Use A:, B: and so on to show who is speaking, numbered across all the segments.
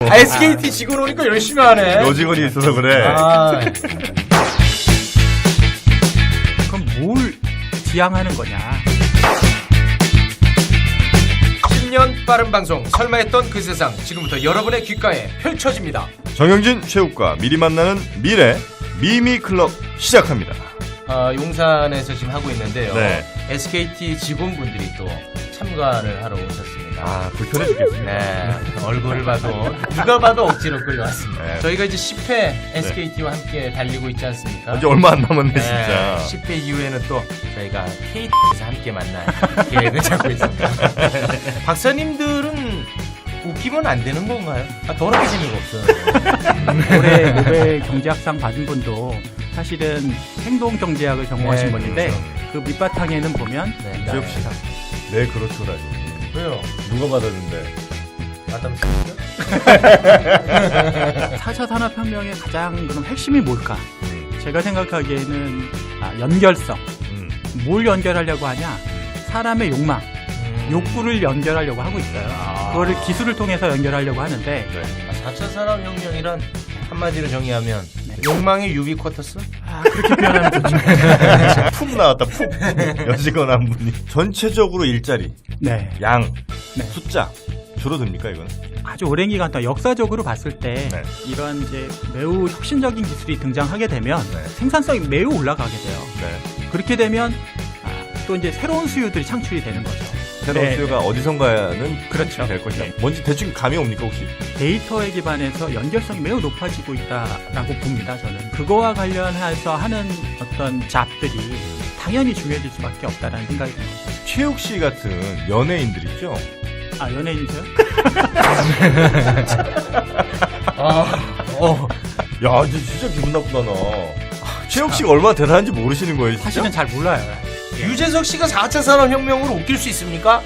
A: SKT 직원 오니까 열심히 하네.
B: 여직원이 있어서 그래.
A: 아,
C: 그럼 뭘 지향하는 거냐?
A: 10년 빠른 방송, 설마 했던 그 세상, 지금부터 여러분의 귓가에 펼쳐집니다.
B: 정영진 최욱과 미리 만나는 미래 미미클럽 시작합니다.
A: 용산에서 지금 하고 있는데요.
B: 네.
A: SKT 직원분들이 또 참가를 하러 오셨습니다.
B: 아, 불편해 죽겠습니다.
A: 네, 얼굴을 봐도 누가 봐도 억지로 끌려왔습니다.
B: 네.
A: 저희가 이제 10회 SKT와 함께 달리고 있지 않습니까?
B: 이제 얼마 안 남았네,
A: 네,
B: 진짜.
A: 10회 이후에는 또 저희가 KT에서 함께 만날 계획을 잡고 있습니다. 박사님들은 웃기면 안 되는 건가요? 더럽게 재미가 없어요.
C: 올해 노벨 경제학상 받은 분도 사실은 행동경제학을 전공하신
A: 네,
C: 분인데
B: 그렇죠.
C: 그 밑바탕에는 보면
A: 네,
B: 지혁 씨. 네, 그렇죠라니.
A: 왜요?
B: 누가 받았는데?
A: 마담 씨?
C: 4차 산업혁명의 가장 그럼 핵심이 뭘까? 제가 생각하기에는 연결성. 뭘 연결하려고 하냐? 사람의 욕망, 욕구를 연결하려고 하고 있어요. 그거를 기술을 통해서 연결하려고 하는데
B: 네.
A: 4차 산업혁명이란 한마디로 정의하면 욕망의 유비쿼터스?
C: 그렇게 표현하면 좋죠.
B: 푹 나왔다, 푹. 여직원 한 분이. 전체적으로 일자리,
C: 네.
B: 양,
C: 네.
B: 숫자. 줄어듭니까, 이거는?
C: 아주 오랜 기간 동안 역사적으로 봤을 때
B: 네.
C: 이런 이제 매우 혁신적인 기술이 등장하게 되면
B: 네.
C: 생산성이 매우 올라가게 돼요.
B: 네.
C: 그렇게 되면 또 이제 새로운 수요들이 창출이 되는 거죠.
B: 새로운
C: 네.
B: 수요가 어디선가는
C: 그렇죠.
B: 될 것이다.
C: 네.
B: 뭔지 대충 감이 옵니까, 혹시?
C: 데이터에 기반해서 연결성이 매우 높아지고 있다라고 봅니다. 저는 그거와 관련해서 하는 어떤 잡들이 당연히 중요해질 수밖에 없다라는 생각이 듭니다.
B: 최욱 씨 같은 연예인들 있죠?
C: 연예인이세요?
B: 야, 이제 진짜 기분 나쁘다, 나. 최욱 씨가 얼마나 대단한지 모르시는 거예요, 진짜?
C: 사실은 잘 몰라요.
A: 유재석 씨가 4차 산업혁명으로 웃길 수 있습니까?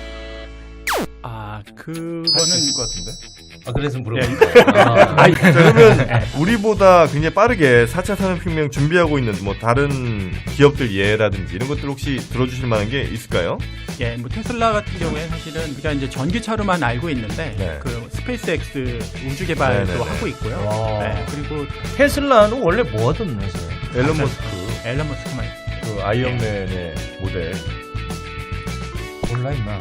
C: 그거는
B: 있을 것 같은데?
A: 그래서 물어보니까.
B: 자, 그러면 우리보다 굉장히 빠르게 4차 산업혁명 준비하고 있는 뭐 다른 기업들 예라든지 이런 것들 혹시 들어주실 만한 게 있을까요?
C: 뭐 테슬라 같은 경우에 사실은 우리가 이제 전기차로만 알고 있는데
B: 네.
C: 그 스페이스X 우주 개발도
B: 네네네.
C: 하고 있고요.
A: 와.
C: 네, 그리고
A: 테슬라는 원래 뭐 하던 회사예요?
B: 앨런 머스크,
C: 앨런 머스크만
B: 그 아이언맨의 모델.
A: 몰라 임마.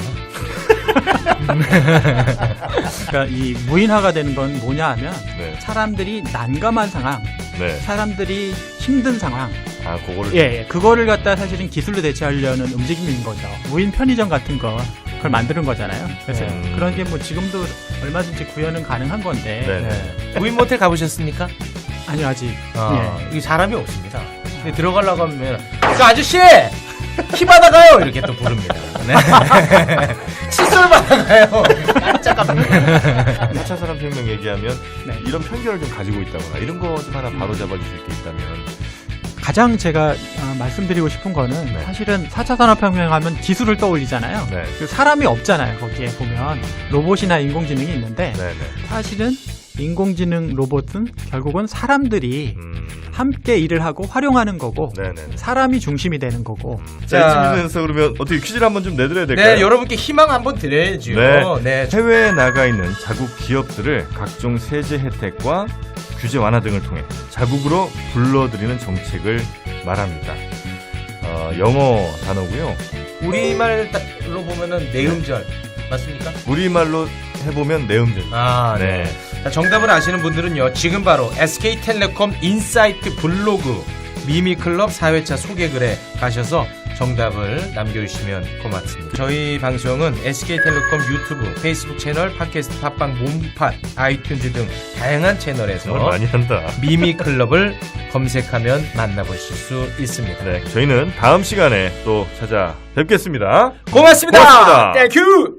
C: 그러니까 이 무인화가 되는 건 뭐냐 하면
B: 네.
C: 사람들이 난감한 상황,
B: 네.
C: 사람들이 힘든 상황,
B: 그거를.
C: 그거를 갖다 사실은 기술로 대체하려는 움직임인 거죠. 무인 편의점 같은 거 그걸 만드는 거잖아요. 그래서 그런 게 뭐 지금도 얼마든지 구현은 가능한 건데.
B: 네.
A: 무인 모텔 가보셨습니까?
C: 아니요 아직.
A: 이 사람이 없습니다. 근데 들어가려고 하면 그 아저씨 키 받아가요 이렇게 또 부릅니다. 네. 칫솔 받아가요. 깜짝깜짝.
B: 4차 산업혁명 얘기하면
C: 네.
B: 이런 편견을 좀 가지고 있다거나 이런 거 좀 하나 바로 잡아주실 게 있다면.
C: 가장 제가 말씀드리고 싶은 거는
B: 네.
C: 사실은 4차 산업혁명 하면 기술을 떠올리잖아요.
B: 네.
C: 그 사람이 없잖아요. 거기에 보면 로봇이나 인공지능이 있는데
B: 네네.
C: 사실은 인공지능 로봇은 결국은 사람들이 함께 일을 하고 활용하는 거고
B: 네네.
C: 사람이 중심이 되는 거고.
B: 자, 이쯤에서 그러면 어떻게 퀴즈를 한번 좀 내드려야 될까요?
A: 네, 여러분께 희망 한번 드려야죠.
B: 네. 해외에 나가 있는 자국 기업들을 각종 세제 혜택과 규제 완화 등을 통해 자국으로 불러들이는 정책을 말합니다. 영어 단어고요.
A: 우리말로 보면은 내음절 맞습니까?
B: 우리말로 해보면 내음절.
A: 네. 자, 정답을 아시는 분들은요, 지금 바로 SK텔레콤 인사이트 블로그 미미클럽 4회차 소개글에 가셔서 정답을 남겨주시면 고맙습니다. 저희 방송은 SK텔레콤 유튜브, 페이스북 채널, 팟캐스트, 팟빵, 몸팟, 아이튠즈 등 다양한 채널에서
B: 정말 많이 한다.
A: 미미클럽을 검색하면 만나보실 수 있습니다.
B: 네, 저희는 다음 시간에 또 찾아뵙겠습니다.
A: 고맙습니다.
B: 고맙습니다.
A: 땡큐.